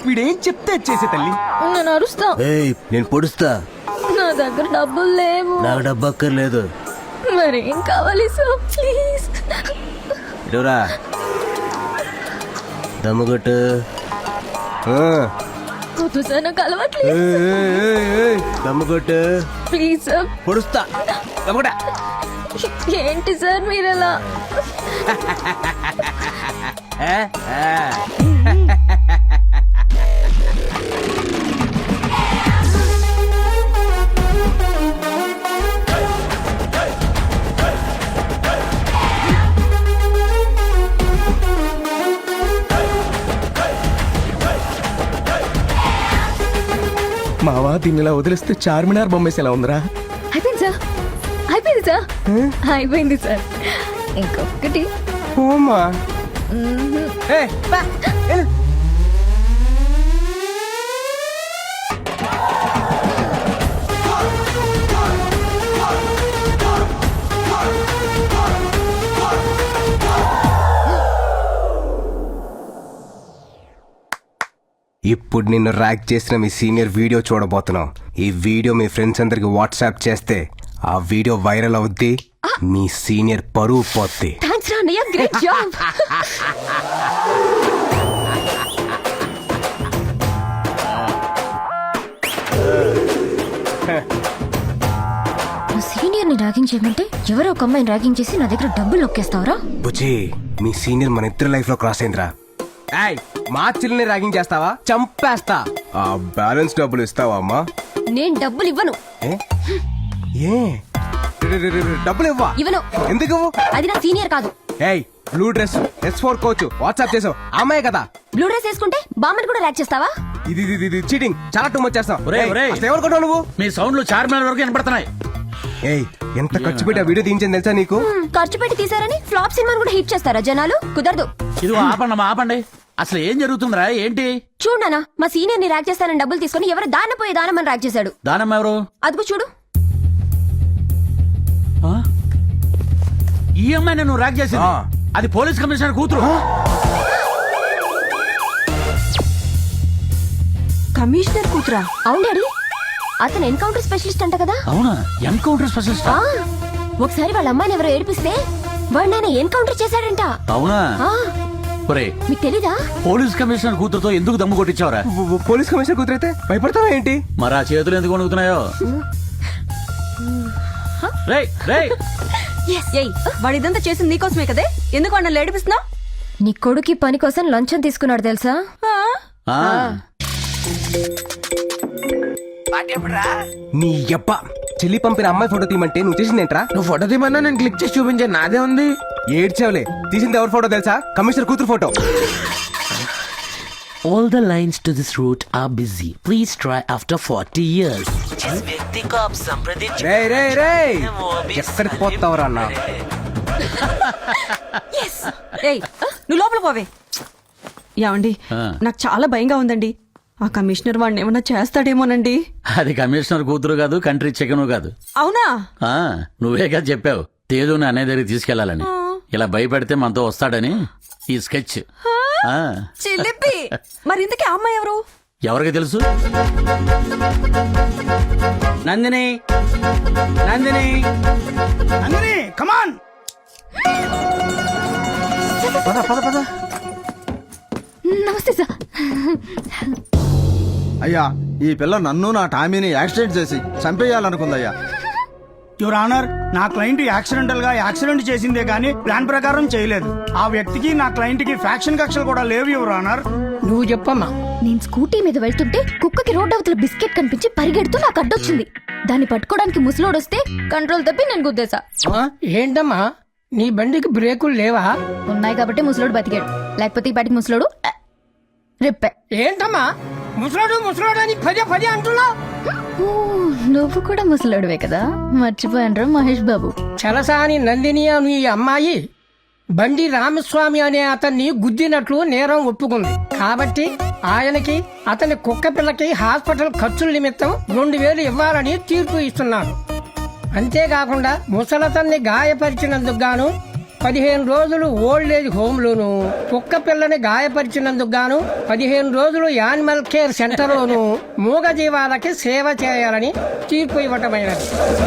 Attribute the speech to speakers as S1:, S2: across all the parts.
S1: వీడేం చెప్తే చేసే తల్లి.
S2: నేను అరుస్తా.
S3: నేను పొడుస్తా.
S2: నా దగ్గర డబ్బులు లేవు.
S3: నాకు డబ్బు అక్కర్లేదు.
S2: మరేం కావాలి సార్ ప్లీజ్.
S3: ఇటురా దమ్ముగొట్టు.
S2: కుదు సార్ నాకు అలవాట్లేదు.
S3: దమ్ముగొట్టు
S2: ప్లీజ్ సార్.
S3: పొడుస్తా. దమ్ముగొట్ట.
S2: ఏంటి సార్ మీరలా?
S1: మావా దీన్ని ఇలా వదిలిస్తే చార్మినార్ బొమ్మేసి ఎలా ఉందిరా?
S2: అయిపోయింది సార్. అయిపోయింది సార్. అయిపోయింది సార్. ఇంకొకటి.
S1: ఓమా
S4: ఇప్పుడు నిన్ను ర్యాక్ చేసిన మీ సీనియర్ వీడియో చూడబోతున్నాం. ఈ వీడియో మీ ఫ్రెండ్స్ అందరికి వాట్సాప్ చేస్తే ఆ వీడియో వైరల్ అవుద్ది. మీ సీనియర్ పరువు పోద్ది.
S2: థాంక్స్ రా అన్నయ్య, గ్రేట్ జాబ్. సీనియర్ ని ర్యాగింగ్ చేయమంటే ఎవరో ఒక అమ్మాయిని ర్యాగింగ్ చేసి నా దగ్గర డబ్బులు నొక్కేస్తావరా?
S4: బుజ్జి, మీ సీనియర్ మన ఇద్దరు లైఫ్ లో క్రాస్ అయిందిరా. మా చెల్లిని ర్యాగింగ్ చేస్తావా? చంపేస్తా. ఆ బ్యాలెన్స్ డబ్బులు ఇస్తావా అమ్మా?
S2: నేను డబ్బులు ఇవ్వను.
S4: ఏ డబ్బులు ఇవ్వా?
S2: ఇవ్వను.
S4: ఎందుకు?
S2: అది నా సీనియర్ కాదు.
S4: ఏయ్, blue dress S4 coach WhatsApp చేసావు అమ్మాయి కదా?
S2: బ్లూ డ్రెస్ వేసుకుంటే బామ్మని కూడా ర్యాక్ చేస్తావా?
S4: ఇది చీటింగ్. చాలా టూ మచ్ చేస్తావు. ఎవరు కొట్టావు నువ్వు?
S5: మీ సౌండ్లు చార్మినార్ వరకు వినపడుతున్నాయి.
S4: ఏయ్, ఎంత ఖర్చు పెట్టి ఆ వీడియో తీయించింది తెలుసా నీకు?
S2: ఖర్చు పెట్టి తీసారని ఫ్లాప్ సినిమాని కూడా హిట్ చేస్తారా జనాలు? కుదరదు.
S5: ఇది ఆపండి ఆపండి. అసలు ఏం జరుగుతుందిరా? ఏంటి?
S2: చూడనా, మా సీనియర్ ని ర్యాక్ చేస్తానని డబ్బులు తీసుకుని ఎవరు దానపోయే దానమని ర్యాక్ చేశాడు.
S5: దానమ్మ ఎవరు?
S2: అదిగో చూడు.
S5: ఈ అమ్మాయిని నువ్వు ర్యాక్ చేసింది? అది పోలీస్ కమిషనర్ కూతురు.
S2: కమిషనర్ కూతురా? అవును డాడీ, అతను ఎన్కౌంటర్ స్పెషలిస్ట్ అంట కదా?
S5: అవునా? Encounter specialist?
S2: ఒకసారి వాళ్ళ అమ్మాయిని ఎవరో ఏడిపిస్తే వాడు ఆయన ఎన్కౌంటర్ చేశాడంట.
S5: అవునా?
S2: మీకు తెలీదా?
S5: పోలీస్ కమిషనర్ కూతురుతో ఎందుకు దమ్ము కొట్టించావరా?
S4: పోలీస్ కమిషనర్ కూతురైతే భయపడతావా ఏంటి?
S5: మరి ఆ చేతులు ఎందుకు వణుకుతున్నాయో?
S6: వాడు ఇదంతా చేసింది నీకోసమే కదే, ఎందుకు అన్న ఏడిపిస్తున్నావు?
S2: నీ కొడుకి పని కోసం లంచం తీసుకున్నాడు తెలుసా?
S4: నీ యబ్బ చెల్లి పంపిన అమ్మాయి ఫోటో తీయమంటే నువ్వు చేసిందేంట్రా?
S1: నువ్వు ఫోటో తీయమన్నా నేను క్లిక్ చేసి చూపించాను. నాదే ఉంది.
S4: ఏడ్చావులే. తీసింది ఎవరి ఫోటో తెలుసా? కమిషనర్ కూతురు photo.
S7: All the lines to this route are busy. Please try after 40 years.
S4: ఎక్కడికి పోతావురా అన్న?
S6: నువ్వు లోపల పోవే. ఏమండి, నాకు చాలా భయంగా ఉందండి. ఆ కమిషనర్ వాడిని ఏమన్నా చేస్తాడేమోనండి.
S5: అది కమిషనర్ కూతురు కాదు, కంట్రీ చికెను కాదు.
S6: అవునా?
S5: నువ్వే కదా చెప్పావు తేజుని అనే దగ్గరికి తీసుకెళ్లాలని. ఇలా భయపెడితే మనతో వస్తాడని ఈ స్కెచ్.
S6: చిలిపి. మరి ఇంతకీ అమ్మాయి ఎవరు?
S5: ఎవరికి తెలుసు?
S1: నందిని, నందిని, నందిని, కమాన్. పద పద పద.
S2: నమస్తే సార్.
S8: అయ్యా, ఈ పిల్ల నన్ను నా టామీని యాక్సిడెంట్ చేసి చంపేయాలనుకుందయ్యా.
S9: యువర్ ఆనర్, నా క్లయింట్ యాక్సిడెంటల్ గా యాక్సిడెంట్ చేసిందే గానీ ప్లాన్ ప్రకారం చేయలేదు. ఆ వ్యక్తికి నా క్లయింట్ కి ఫ్యాక్షన్ కక్షలు కూడా లేవు యువర్ ఆనర్.
S1: నువ్వు చెప్పమ్మా.
S2: నేను స్కూటీ మీద వెళ్తుంటే కుక్కకి రోడ్ అవతల బిస్కెట్ కనిపించి పరిగెడుతూ నాకు అడ్డొచ్చింది. దాన్ని పట్టుకోవడానికి ముసలోడొస్తే కంట్రోల్ తప్పి నేను గుద్దేశా.
S1: ఏంటమ్మా, నీ బండికి బ్రేకులు లేవా?
S2: ఉన్నాయి కాబట్టి ముసలోడు బతికాడు, లేకపోతే ఈ పాటికి ముసలోడు రిప్పే.
S1: ఏంటమ్మా ముసలోడు ముసలోడు అని పదే పదే అంటున్నావు?
S2: నువ్వు కూడా ముసలోడువే కదా, మర్చిపోయాను మహేష్ బాబు.
S1: చలసాని నందిని అని ఈ అమ్మాయి బండి రామస్వామి అనే అతన్ని గుద్దినట్లు నేరం ఒప్పుకుంది. కాబట్టి ఆయనకి అతని కుక్క పిల్లకి హాస్పిటల్ ఖర్చుల నిమిత్తం 2000 ఇవ్వాలని తీర్పు ఇస్తున్నాను. అంతేకాకుండా ముసలతన్ని గాయపరిచినందుకు గాను 15 రోజులు ఓల్డ్ ఏజ్ హోమ్లోను, కుక్క పిల్లని గాయపరిచినందుకు గాను 15 రోజులు యానిమల్ కేర్ సెంటర్లోను మూగ జీవాలకి సేవ చేయాలని తీర్పు ఇవ్వటమైనది.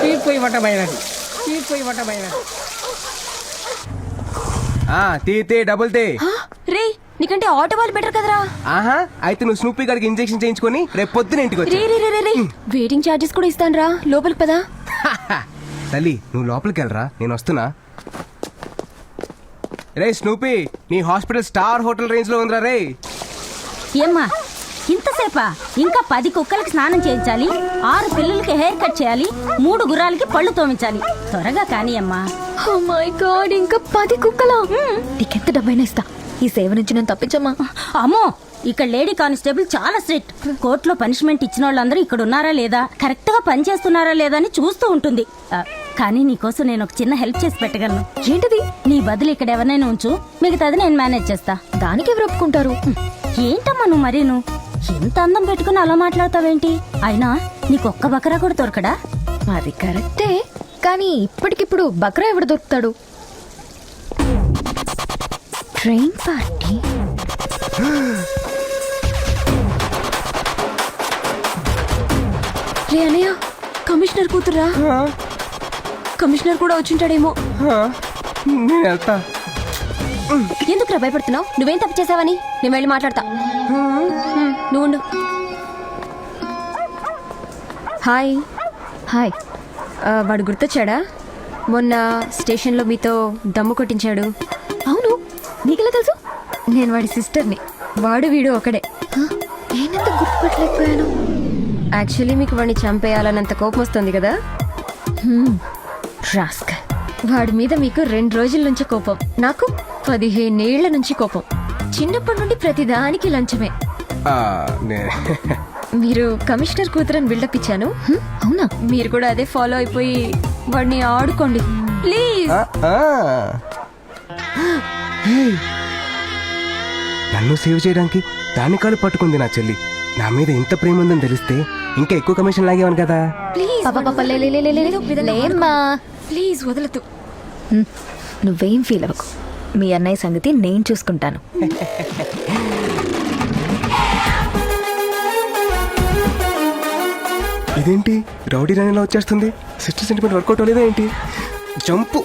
S4: తీ డబుల్ తే.
S2: రే నీకంటే ఆటో వాళ్ళు బెటర్ కదరా.
S4: ఆహా, అయితే నువ్వు స్నూపీ గారికి ఇంజెక్షన్ చేయించుకొని రేపు పొద్దున ఇంటికి వచ్చి.
S2: రే వెయిటింగ్ ఛార్జెస్ కూడా ఇస్తాను రా, లోపలికి పదా.
S4: తల్లి నువ్వు లోపలికి వెళ్ళరా, నేను వస్తున్నా. రే స్నూపీ, నీ హాస్పిటల్ స్టార్ హోటల్ రేంజ్ లో ఉందిరా రే.
S10: ఏమ్మా ఇంతసేపా? ఇంకా 10 కుక్కలకి స్నానం చేయించాలి, 6 పిల్లలకి హెయిర్ కట్ చేయాలి, 3 గుర్రాలకి పళ్ళు తోమించాలి. త్వరగా కానీ అమ్మా.
S2: ఓ మై గాడ్, ఇంకా 10 కుక్కలా? నీకెంత డబ్బైనా ఇస్తా, ఈ సేవ నుంచి నేను తప్పించమ్మా.
S10: అమ్మో, ఇక్కడ లేడీ కానిస్టేబుల్ చాలా స్ట్రిక్ట్. కోర్టులో పనిష్మెంట్ ఇచ్చిన వాళ్ళందరూ ఇక్కడ ఉన్నారా లేదా, కరెక్ట్ గా పని చేస్తున్నారా లేదా అని చూస్తూ ఉంటుంది. కానీ నీకోసం నేను ఒక చిన్న హెల్ప్ చేసి పెట్టగలను.
S2: ఏంటది?
S10: నీ బదులు ఇక్కడ ఎవరినైనా ఉంచు, మిగతాది నేను మేనేజ్ చేస్తా.
S2: దానికి ఎవరు ఒప్పుకుంటారు?
S10: ఏంటమ్మా నువ్వు మరీను ఎంత అందం పెట్టుకుని అలా మాట్లాడతావేంటి? అయినా నీకొక్క బకరా కూడా దొరకడా?
S2: అది కరెక్టే, కానీ ఇప్పటికిప్పుడు బక్రా ఎవడు దొరుకుతాడు? Train party. రే అనయ్య, కమిషనర్ కూతురా. కమిషనర్ కూడా వచ్చింటాడేమో.
S4: నేను వెళ్తా.
S2: ఎందుకురా భయపడుతున్నావు? నువ్వేం తప్పు చేసావని? నేను వెళ్ళి మాట్లాడతా. నువ్వు ఉండు. హాయ్. హాయ్. వాడు గుర్తొచ్చాడా? మొన్న స్టేషన్లో మీతో దమ్ము కొట్టించాడు. అవును, నీకెలా తెలుసు? నేను వాడి సిస్టర్ని. వాడు వీడు ఒకడే. నేనంత గుర్తుపట్టలేకపోయాను. యాక్చువల్లీ మీకు వాడిని చంపేయాలన్నంత కోపం వస్తుంది కదా. రాస్కల్. వాడి మీద మీకు 2 రోజుల నుంచి కోపం, నాకు 15 ఏళ్ల నుంచి కోపం. చిన్నప్పటి నుండి ప్రతిదానికి లంచమే. మీరు కమిషనర్ కూతురని బిల్డప్ ఇచ్చాను. అవునా? మీరు కూడా అదే ఫాలో అయిపోయి వాడిని ఆడుకోండి ప్లీజ్.
S4: నన్ను సేవ్ చేయడానికి దాని కాలు పట్టుకుంది నా చెల్లి. నా మీద ఇంత ప్రేమ ఉందని తెలిస్తే ఇంకా ఎక్కువ కమిషన్ లాగేవాను కదా.
S2: ప్లీజ్ వదలదు. నువ్వేం ఫీల్ అవ్వకు, మీ అన్నయ్య సంగతి నేను చూసుకుంటాను.
S4: ఇదేంటి రౌడీ రాణిలా వచ్చేస్తుంది? సిస్టర్ సెంటిమెంట్ వర్కౌట్ అవ్వలేదా ఏంటి? జంపు.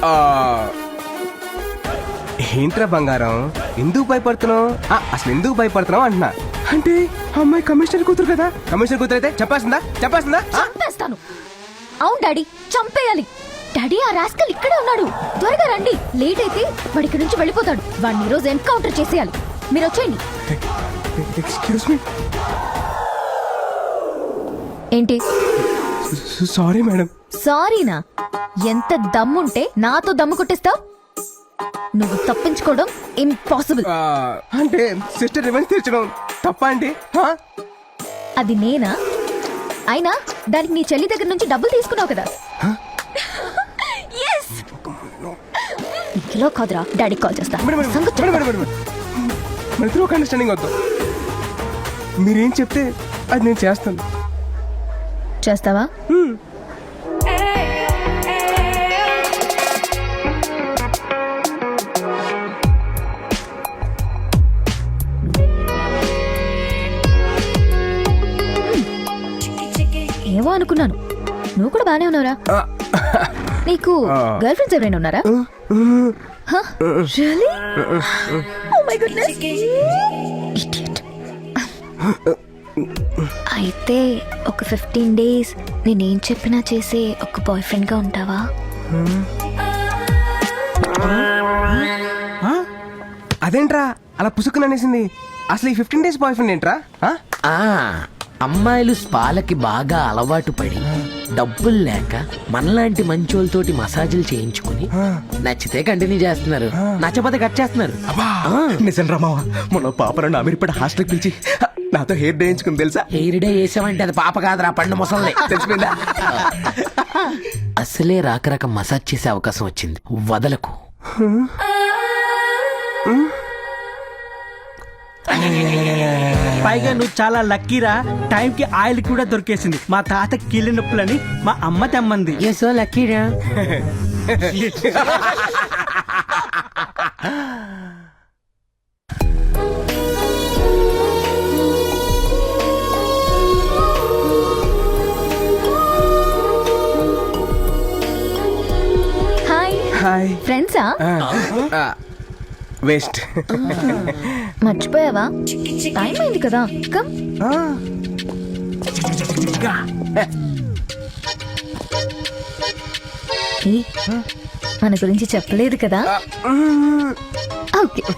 S4: ఏంట్రా బంగారం, ఎందుకు భయపడుతున్నావు? అసలు ఎందుకు భయపడుతున్నావు అంటున్నా. అంటే అమ్మాయి కమిషనర్ కూతురు కదా. కమిషనర్ కూతురు అయితే చెప్పేస్తుందా?
S2: చంపేస్తాను. అవును డాడీ, చంపేయాలి. డాడీ, ఆ రాస్కల్ ఇక్కడే ఉన్నాడు. త్వరగా రండి, లేట్ అయితే వాడి ఇక్కడి నుంచి వెళ్ళిపోతాడు. వాడిని ఈరోజు ఎన్కౌంటర్ చేసేయాలి. మీరు వచ్చేయండి.
S4: Excuse me.
S2: ఏంటి?
S4: Sorry madam.
S2: సారీనా? ఎంత దమ్ముంటే నాతో దమ్ము కొట్టిస్తావు? నువ్వు తప్పించుకోవడం ఇంపాసిబుల్.
S4: అంటే సిస్టర్ రివెంజ్ తీర్చడం తప్ప అండి?
S2: అది నేనా? అయినా దానికి నీ చెల్లి దగ్గర నుంచి డబ్బులు తీసుకున్నావు కదా. కిలో కాదురా, డాడీ కాల్ చేస్తా.
S4: అండర్స్టాండింగ్ వద్దు. మీరేం చెప్తే అది నేను చేస్తాను.
S2: చేస్తావా? ఏమో అనుకున్నాను, నువ్వు కూడా బానే ఉన్నావురా. నీకు గర్ల్ ఫ్రెండ్స్ ఎవరైనా ఉన్నారా? Really? Oh my goodness. Idiot. అయితే ఒక 15 days నేనేం చెప్పినా చేసే ఒక బాయ్ ఫ్రెండ్ గా ఉంటావా?
S4: అదేంట్రా అలా పుసుకుని అనేసింది? అసలు ఈ 15 days బాయ్ ఫ్రెండ్ ఏంట్రా?
S7: అమ్మాయిలు స్పాలకి బాగా అలవాటు పడి డబ్బులు లేక మనలాంటి మంచోళ్ళతోటి మసాజులు చేయించుకుని నచ్చితే కంటిన్యూ చేస్తున్నారు, నచ్చపోతే కట్ చేస్తున్నారు.
S3: నిజం రామావా, మన పాప నన్ను అమీర్పేట హాస్టల్కి పిలిచి నాతో హెయిర్ డే వేయించుకుని తెలుసా?
S7: హెయిర్ డే వేసామంటే అది పాప కాదురా, పండు ముసలి.
S3: తెలిసిపోయిందా?
S7: అసలే రాక మసాజ్ చేసే అవకాశం వచ్చింది, వదలకు.
S9: పైగా నువ్వు చాలా లక్కీరా, టైంకి ఆయిల్ కూడా దొరికేసింది. మా తాత కీళ్ళ నొప్పులని మా అమ్మ తెమ్మంది.
S7: సో లక్కీరా.
S2: హాయ్
S4: హాయ్
S2: ఫ్రెండ్సా
S4: వేస్ట్
S2: మర్చిపోయావా టైం అయింది కదా కమ్ మన గురించి చెప్పలేదు కదా ఓకే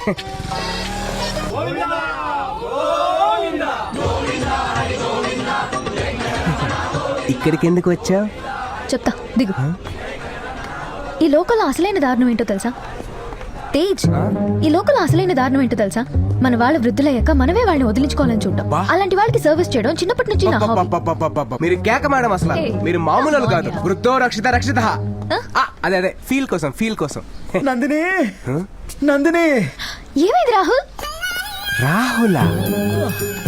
S4: ఇక్కడికి ఎందుకు వచ్చావు?
S2: చెప్తా దిగు ఈ లోకల్ అసలైన దారుణం ఏంటో తెలుసా తేజ్ ఈ లోకల్ అసలైన దారుణం ఏంటో తెలుసా మన వాళ్ళు వృద్ధులయ్యాక మనమే వాళ్ళని వదిలించుకోవాలని చూడటం అలాంటి వాళ్ళకి సర్వీస్ చేయడం చిన్నప్పటి నుంచి నా హాబీ.
S4: మీరు కేక మేడం అసలు మీరు మామూలు వాళ్ళు కాదు. వృద్ధో రక్షిత రక్షిత అదే అదే ఫీల్ కోసం
S8: నందిని నందిని
S2: ఏమైంది రాహుల్
S4: రాహులా